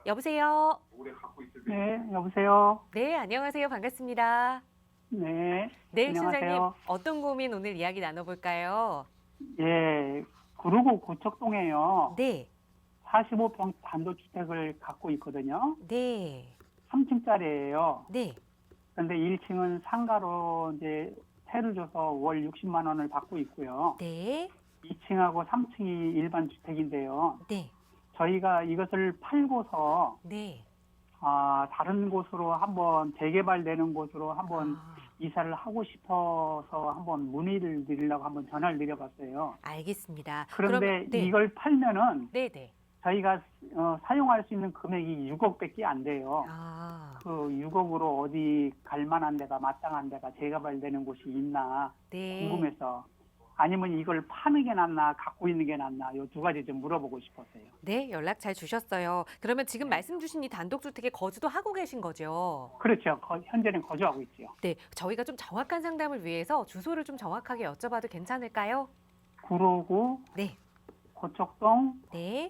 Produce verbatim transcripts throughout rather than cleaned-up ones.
여보세요? 네, 여보세요. 네, 안녕하세요. 반갑습니다. 네, 네, 신사님, 안녕하세요. 어떤 고민 오늘 이야기 나눠볼까요? 예, 구로구 고척동에요. 네, 사십오 평 단독주택을 갖고 있거든요. 네, 삼 층짜리예요. 네, 근데 일 층은 상가로 이제 세를 줘서 월 육십만 원을 받고 있고요. 네, 이 층하고 삼 층이 일반 주택인데요. 네, 저희가 이것을 팔고서 네. 아, 다른 곳으로 한번 재개발되는 곳으로 한번 아, 이사를 하고 싶어서 한번 문의를 드리려고 한번 전화를 드려봤어요. 알겠습니다. 그런데 그러면- 네, 이걸 팔면은 네, 네. 저희가 어, 사용할 수 있는 금액이 육억밖에 안 돼요. 아, 그 육억으로 어디 갈 만한 데가 마땅한 데가 재개발되는 곳이 있나 네. 궁금해서 아니면 이걸 파는 게 낫나 갖고 있는 게 낫나 요 두 가지 좀 물어보고 싶었어요. 네, 연락 잘 주셨어요. 그러면 지금 네. 말씀 주신 이 단독주택에 거주도 하고 계신 거죠? 그렇죠. 거- 현재는 거주하고 있죠. 네, 저희가 좀 정확한 상담을 위해서 주소를 좀 정확하게 여쭤봐도 괜찮을까요? 구로구 네, 고척동 네.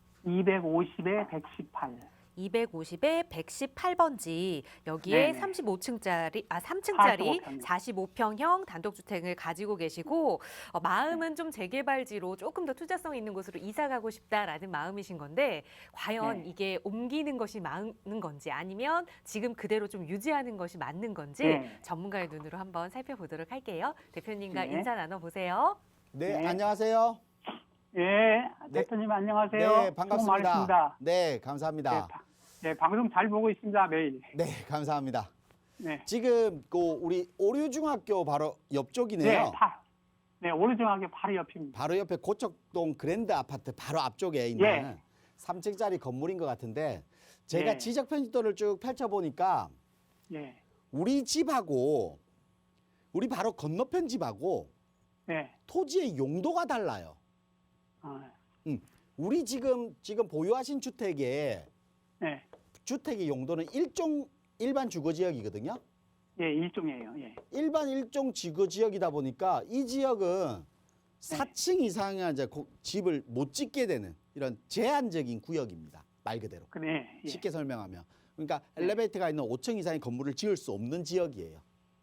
이백오십에 백십팔. 이백오십에 백십팔 번지 여기에 네네. 삼십오 층짜리 아 삼 층짜리 사십오 평이요. 사십오 평형 단독주택을 가지고 계시고 어, 마음은 좀 재개발지로 조금 더 투자성 있는 곳으로 이사 가고 싶다라는 마음이신 건데 과연 네. 이게 옮기는 것이 맞는 건지 아니면 지금 그대로 좀 유지하는 것이 맞는 건지 네. 전문가의 눈으로 한번 살펴보도록 할게요. 대표님과 네. 인사 나눠보세요. 네, 네. 안녕하세요. 예, 네. 대표님 안녕하세요. 네, 수고 반갑습니다. 많으십니다. 네, 감사합니다. 네, 바- 네, 방송 잘 보고 있습니다, 매일. 네, 감사합니다. 네. 지금 그 우리 오류중학교 바로 옆쪽이네요. 네, 다. 네, 오른쪽하게 바로 옆입니다. 바로 옆에 고척동 그랜드 아파트 바로 앞쪽에 있는 예. 삼 층짜리 건물인 것 같은데 제가 예. 지적 편집도를 쭉 펼쳐 보니까 예. 우리 집하고 우리 바로 건너편 집하고 네. 토지의 용도가 달라요. 아, 음, 우리 지금 지금 보유하신 주택의 네. 주택의 용도는 일종 일반 주거 지역이거든요. 예, 일종이에요. 예. 일반 일종 지구 지역이다 보니까 이 지역은 사 층 이상의 이제 고- 집을 못 짓게 되는 이런 제한적인 구역입니다. 말 그대로. 그래. 예. 쉽게 설명하면. 그러니까 네. 엘리베이터가 있는 오 층 이상의 건물을 지을 수 없는 지역이에요.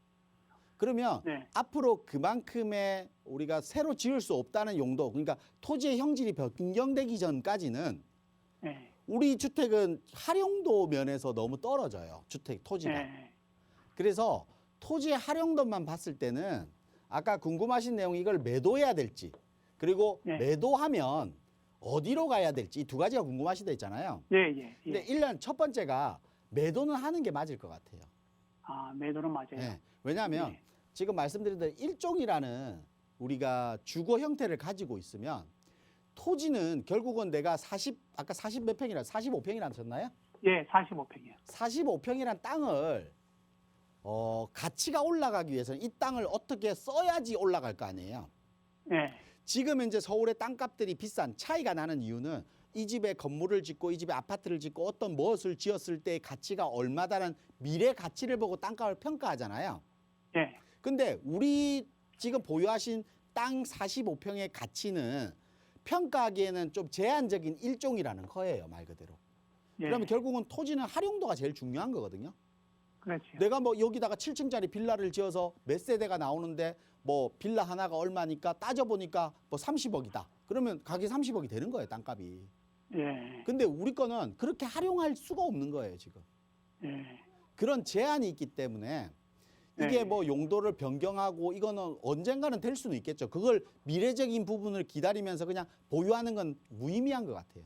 그러면 네. 앞으로 그만큼의 우리가 새로 지을 수 없다는 용도, 그러니까 토지의 형질이 변경되기 전까지는 네. 우리 주택은 활용도 면에서 너무 떨어져요. 주택 토지가. 네. 그래서 토지의 활용도만 봤을 때는 아까 궁금하신 내용이 이걸 매도해야 될지 그리고 네. 매도하면 어디로 가야 될지 이 두 가지가 궁금하시다 했잖아요. 예, 예. 근데 예. 일단 첫 번째가 매도는 하는 게 맞을 것 같아요. 아, 매도는 맞아요. 네. 왜냐하면 네. 지금 말씀드린 대로 일종이라는 우리가 주거 형태를 가지고 있으면 토지는 결국은 내가 사십 아까 사십 몇 평이라 사십오 평이라 하셨나요? 예, 사십오 평이요. 사십오 평이란 땅을 어, 가치가 올라가기 위해서는 이 땅을 어떻게 써야지 올라갈 거 아니에요. 예. 지금 이제 서울의 땅값들이 비싼 차이가 나는 이유는 이 집에 건물을 짓고 이 집에 아파트를 짓고 어떤 무엇을 지었을 때의 가치가 얼마다는 미래 가치를 보고 땅값을 평가하잖아요. 예. 근데 우리 지금 보유하신 땅 사십오 평의 가치는 평가하기에는 좀 제한적인 일종이라는 거예요, 말 그대로. 예. 그러면 결국은 토지는 활용도가 제일 중요한 거거든요. 그렇죠. 내가 뭐 여기다가 칠 층짜리 빌라를 지어서 몇 세대가 나오는데 뭐 빌라 하나가 얼마니까 따져보니까 뭐 삼십억이다. 그러면 가격이 삼십억이 되는 거예요, 땅값이. 예. 근데 우리 거는 그렇게 활용할 수가 없는 거예요, 지금. 예. 그런 제한이 있기 때문에 이게 네. 뭐 용도를 변경하고 이거는 언젠가는 될 수는 있겠죠. 그걸 미래적인 부분을 기다리면서 그냥 보유하는 건 무의미한 것 같아요.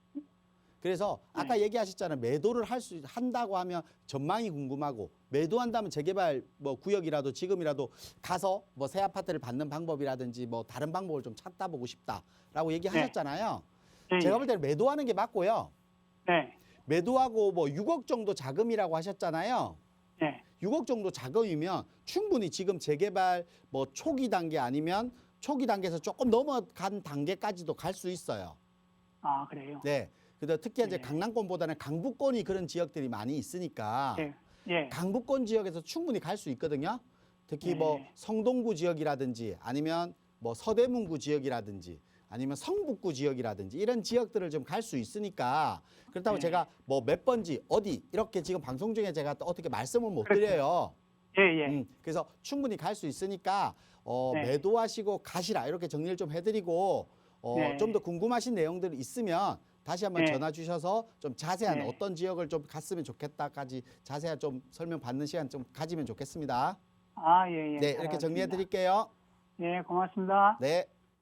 그래서 아까 네. 얘기하셨잖아요. 매도를 할 수 한다고 하면 전망이 궁금하고 매도한다면 재개발 뭐 구역이라도 지금이라도 가서 뭐 새 아파트를 받는 방법이라든지 뭐 다른 방법을 좀 찾다 보고 싶다라고 얘기하셨잖아요. 예. 제가 볼 때는 매도하는 게 맞고요. 네. 매도하고 뭐 육억 정도 자금이라고 하셨잖아요. 예. 육억 정도 자금이면 충분히 지금 재개발 뭐 초기 단계 아니면 초기 단계에서 조금 넘어간 단계까지도 갈 수 있어요. 아, 그래요. 네. 근데 특히 이제 네. 강남권보다는 강북권이 그런 지역들이 많이 있으니까 예. 예. 강북권 지역에서 충분히 갈 수 있거든요. 특히 네. 뭐 성동구 지역이라든지 아니면 뭐 서대문구 지역이라든지 아니면 성북구 지역이라든지 이런 지역들을 좀 갈 수 있으니까 그렇다고 네. 제가 뭐 몇 번지 어디 이렇게 지금 방송 중에 제가 또 어떻게 말씀을 못 그렇죠. 드려요. 예, 예. 음, 그래서 충분히 갈 수 있으니까 어, 네. 매도하시고 가시라 이렇게 정리를 좀 해드리고 어, 네. 좀 더 궁금하신 내용들이 있으면 다시 한번 네. 전화 주셔서 좀 자세한 네. 어떤 지역을 좀 갔으면 좋겠다까지 자세한 좀 설명 받는 시간 좀 가지면 좋겠습니다. 아, 예, 예. 네, 이렇게 정리해 드릴게요. 예, 고맙습니다. 네.